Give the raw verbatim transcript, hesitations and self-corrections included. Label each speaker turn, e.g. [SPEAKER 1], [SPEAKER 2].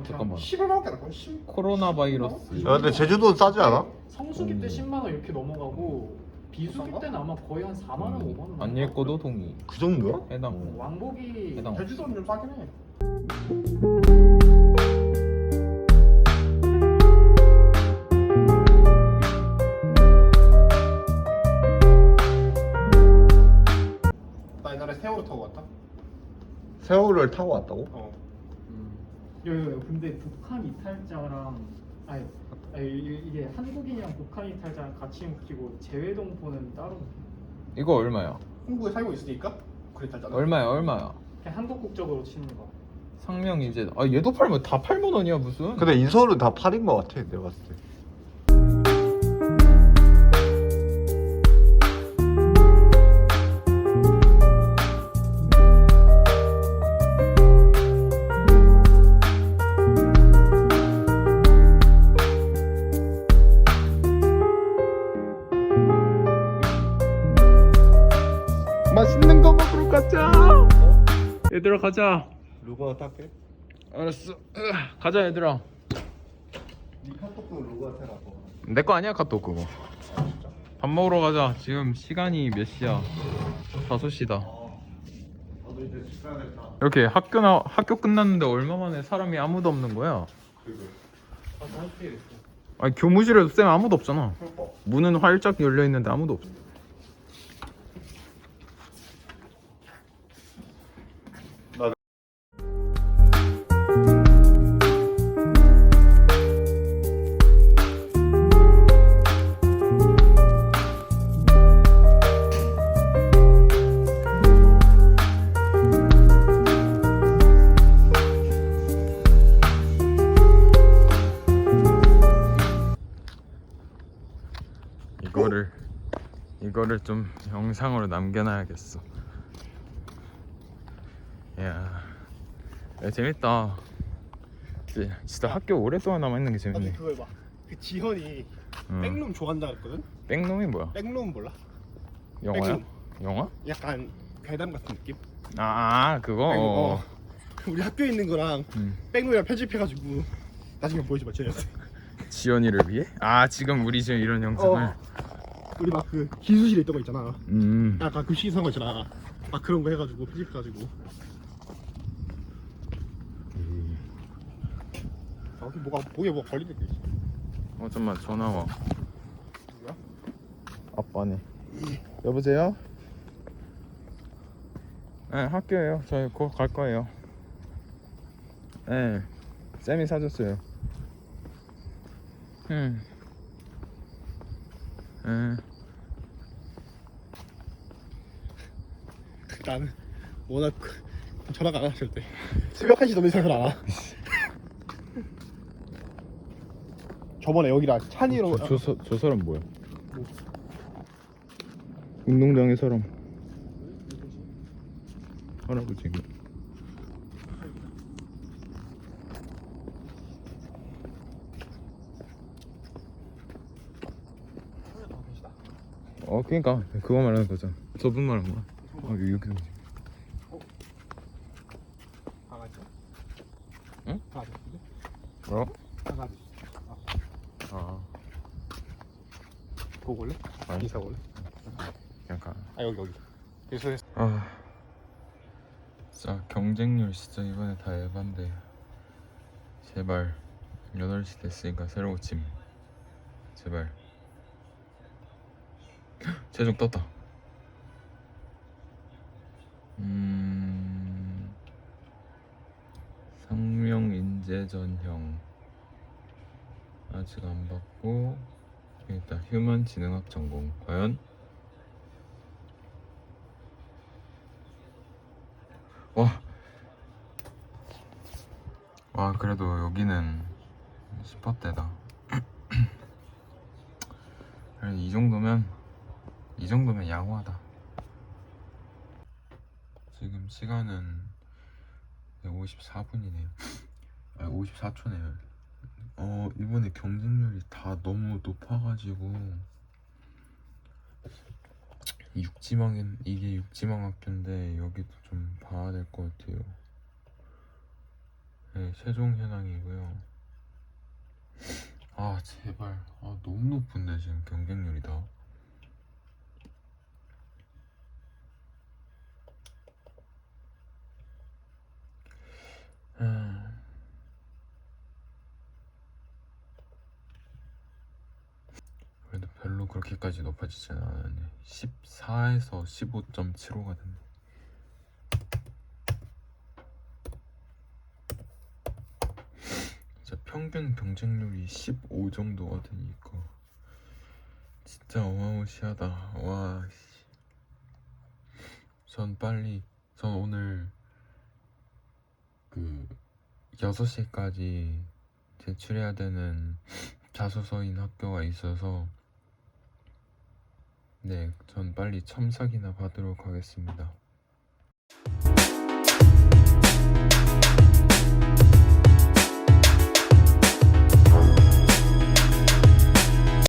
[SPEAKER 1] 잠깐만.
[SPEAKER 2] 십오만 원대 할걸? 십
[SPEAKER 1] 코로나 바이러스.
[SPEAKER 3] 야 근데 제주도는 싸지 않아?
[SPEAKER 4] 성수기 때
[SPEAKER 1] 음.
[SPEAKER 4] 십만 원 이렇게 넘어가고 비수기
[SPEAKER 2] 비싼가?
[SPEAKER 4] 때는 아마 거의 한 사만 원, 오만 원.
[SPEAKER 1] 안 읽고도 동의.
[SPEAKER 3] 그 정도야?
[SPEAKER 4] 어,
[SPEAKER 1] 해당.
[SPEAKER 4] 왕복이
[SPEAKER 1] 해당.
[SPEAKER 2] 제주도는 좀 싸긴 해. 나 옛날에 세월호 타고 왔다.
[SPEAKER 3] 세월을 타고 왔다고?
[SPEAKER 2] 어.
[SPEAKER 4] 음. 야, 야, 야, 근데 북한 이탈자랑 아니, 아니 이- 이게 한국인이랑 북한 이탈자랑 같이 묶이고 재외동포는 따로 묶여.
[SPEAKER 1] 이거 얼마야?
[SPEAKER 2] 한국에 살고 있으니까 그랬잖아.
[SPEAKER 1] 얼마야 얼마야?
[SPEAKER 4] 그냥 한국 국적으로 치는 거.
[SPEAKER 1] 상명 이제 아 얘도 팔면 다 팔만 원이야 무슨?
[SPEAKER 3] 근데 인서울은 다 팔인 것 같아 내가 봤을 때.
[SPEAKER 1] 맛있는 거 먹으러 가자. 얘들아 가자.
[SPEAKER 3] 루가 탈게.
[SPEAKER 1] 알았어. 으아, 가자 얘들아.
[SPEAKER 3] 네 카톡도 루가 태라고.
[SPEAKER 1] 내 거 아니야 카톡 그거. 밥 먹으러 가자. 지금 시간이 몇 시야? 다섯 시다.
[SPEAKER 3] 나도 이제 집 가야겠다.
[SPEAKER 1] 이렇게 학교 나 학교 끝났는데 얼마 만에 사람이 아무도 없는 거야?
[SPEAKER 4] 아, 할게 있어.
[SPEAKER 1] 아니 교무실에도 쌤 아무도 없잖아. 문은 활짝 열려 있는데 아무도 없어. 이거를 이거를 좀 영상으로 남겨놔야겠어. 야, 야 재밌다. 진짜, 진짜 학교 오랫동안 남아있는 게
[SPEAKER 2] 아니
[SPEAKER 1] 재밌네.
[SPEAKER 2] 그거 해봐. 그 지현이
[SPEAKER 1] 응.
[SPEAKER 2] 백룸 좋아한다 그랬거든.
[SPEAKER 1] 백놈이 뭐야?
[SPEAKER 2] 백룸 몰라?
[SPEAKER 1] 영화야?
[SPEAKER 2] 백룸.
[SPEAKER 1] 영화?
[SPEAKER 2] 약간 괴담 같은 느낌?
[SPEAKER 1] 아, 아 그거.
[SPEAKER 2] 백룸,
[SPEAKER 1] 어.
[SPEAKER 2] 어. 우리 학교에 있는 거랑
[SPEAKER 1] 음.
[SPEAKER 2] 백룸이랑 편집해가지고 나중에 보여줘봐 지현이한테.
[SPEAKER 1] 지연이를 위해? 아 지금 우리 지금 이런 영상을.
[SPEAKER 2] 어. 우리 막 그 기수실에 있던 거 있잖아.
[SPEAKER 1] 음.
[SPEAKER 2] 약간 급식 이상한 거 있잖아. 막 그런 거 해가지고 편집해가지고. 아, 여기 뭐가 목에 뭐가 걸리는 게 있어.
[SPEAKER 1] 어 잠만 전화 와.
[SPEAKER 2] 누구야?
[SPEAKER 1] 아빠네. 여보세요? 네 학교에요. 저희 곧 갈 거예요. 네 쌤이 사줬어요. 음. 음.
[SPEAKER 2] 나는 워낙 전화가 안 와, 절대. 새벽 한 시 넘는 이상은 안 와. 저번에 여기랑 찬이로
[SPEAKER 1] 저, 저, 저, 저 사람 뭐야? 운동장의 사람. 할아버지. 어 그니까 그거 말하는 거잖아. 저분 말한 거야. 아 여기 여기.
[SPEAKER 2] 강아지?
[SPEAKER 1] 응?
[SPEAKER 2] 강아지.
[SPEAKER 1] 어?
[SPEAKER 2] 강아지.
[SPEAKER 1] 아
[SPEAKER 2] 보고 올래?
[SPEAKER 1] 아니.
[SPEAKER 2] 인사 올래?
[SPEAKER 1] 그냥 가.
[SPEAKER 2] 아 여기 여기. 그래서
[SPEAKER 1] 아 진짜 경쟁률 진짜 이번에 다 에반데. 제발 여덟 시 됐으니까 새로 고침. 제발. 최종 떴다. 음... 상명 인재 전형 아직 안 받고 일단 휴먼 지능학 전공 과연 와. 와 그래도 여기는 슈퍼대다. 이 정도면 이 정도면 양호하다. 지금 시간은 오십사 분이네요. 아 오십사 초네요. 어 이번에 경쟁률이 다 너무 높아가지고 육지망인 이게 육지망 학교인데 여기도 좀 봐야 될 것 같아요. 네, 세종 현황이고요. 아 제발, 아 너무 높은데 지금 경쟁률이 다. 음. 그래도 별로 그렇게까지 높아지진 않았네. 십사에서 십오 점 칠오가 됐네. 진짜 평균 경쟁률이 십오 정도가 되니까 진짜 어마무시하다. 와 씨. 전 빨리 전 오늘 그 여섯 시까지 제출해야 되는 자소서인 학교가 있어서 네, 전 빨리 첨삭이나 받도록 하겠습니다.